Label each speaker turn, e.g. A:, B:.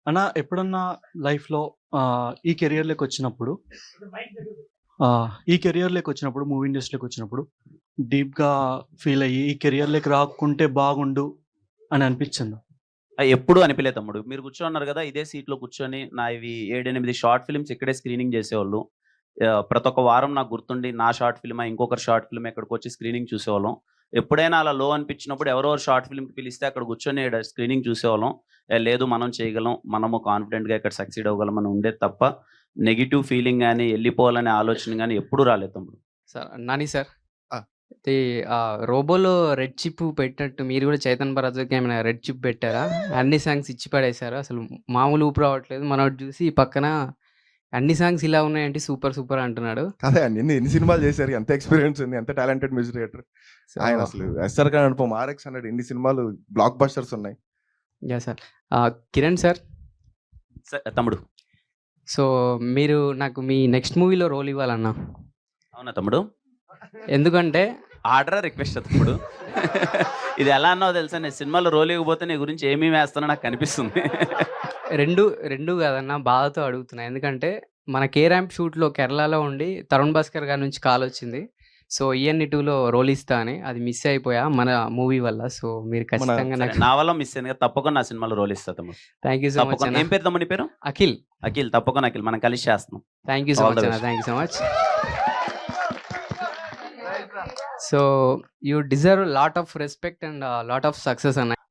A: అన్న ఎప్పుడన్నా లైఫ్‌లో ఈ కెరియర్‌లోకొచ్చినప్పుడు మూవీ ఇండస్ట్రీలోకొచ్చినప్పుడు డీప్‌గా ఫీల్ అయ్యి ఈ కెరియర్‌లోకి రాకుంటే బాగుండు అని అనిపిచ్చిందా?
B: ఎప్పుడు అనిపియలే తమ్ముడు. మీరు కూర్చోన్నారు గదా! ఇదే సీట్‌లో కూర్చొని నావి 7, 8 షార్ట్ ఫిల్మ్స్ ఇక్కడే స్క్రీనింగ్ జేసేవాళ్ళు. ప్రతొక్క వారం నాకు గుర్తుండి నా షార్ట్ ఫిల్మా, ఇంకొకరి షార్ట్ ఫిల్మ్ ఇక్కడికొచ్చి స్క్రీనింగ్ చూసేవాళ్ళం. ఎప్పుడైనా అలా లో అనిపించినప్పుడు ఎవరో ఒకరు షార్ట్ ఫిల్మ్‌కి పిలిస్తే అక్కడ కూర్చొని స్క్రీనింగ్ చూసేవాళ్ళం. లేదు మనం చేయగలం, మనము కాన్ఫిడెంట్‌గా ఇక్కడ సక్సీడ్ అవ్వగలం అని ఉండేది తప్ప, నెగెటివ్ ఫీలింగ్ గాని, ఎళ్ళిపోవాలనే ఆలోచన గాని ఎప్పుడు రాలేదు తమ్ముడు.
C: Sir Nani sir.
D: ఆ!
C: ఇది రోబోలో రెడ్ చిప్ పెట్టినట్టు మీరు గూడా 'చైతన్ భరద్వాజ్‌కి' ఏమైనా రెడ్ చిప్ పెట్టారా? అన్ని సాంగ్స్ ఇచ్చి పడేసారు. అసలు మామూలు ఊపు రావట్లేదు. మనోడు జూసి పక్కన అన్ని సాంగ్స్ ఇలా ఉన్నాయేంటి సూపర్ సూపర్ అంటున్నాడు.
D: అదే అండి. ఎన్ని సినిమాలు చేశారు, ఎంత ఎక్స్‌పీరియన్స్ ఉంది, ఎంత టాలెంటెడ్ మ్యూజిక్ డైరెక్టర్.
C: సో
D: ఆయన అసలు 'ఎస్ఆర్ ఖాన్ అనుపమ', 'ఆర్ఎక్స్ 100' ఎన్ని సినిమాలు బ్లాక్ బస్టర్స్ ఉన్నాయి.
C: యాహ్! సార్. కిరణ్ సార్.
B: తమ్ముడు.
C: సో మీరు నాకు మీ నెక్స్ట్ మూవీలో రోల్ ఇవ్వాలన్నా.
B: అవునా తమ్ముడు?
C: ఎందుకంటే
B: ఆర్డరా? రిక్వెస్టా తమ్ముడు? ఇది ఎలా అన్నావో తెలుసా? నేను సినిమాలో రోల్ ఇవ్వకపోతే నీ గురించి ఏమేమి వేస్తానో నాకు కనిపిస్తుంది.
C: రెండు కాదన్నా బాధతో అడుగుతున్నా. ఎందుకంటే మన 'కే ర్యాంప్' షూట్‌లో కేరళలో ఉండి తరుణ్ భాస్కర్ గారి నుంచి కాలొచ్చింది. సో 'ఈఎన్‌ఈ 2'లో రోల్ ఇస్తా అని. అది మిస్ అయిపోయా మన మూవీ వల్ల. సో మీరు ఖచ్చితంగా
B: సరే,
C: నాకు
B: నా వల్ల మిస్ అయింది కదా! తప్పకుండా నా సినిమాలో రోల్ ఇస్తా తమ్ముడు.
C: థ్యాంక్ యూ సో మచ్
B: తప్పకుండా.
C: అన్న.
B: ఏం పేరు తమ్ముడు నీ పేరు?
C: అఖిల్.
B: అఖిల్. తప్పకుండా అఖిల్. మనం కలిసి చేస్తున్నాం.
C: Thank you so
B: All the
C: much అన్న.
B: best.
C: Thank you so much. So you deserve lot of respect and lot of success అన్న.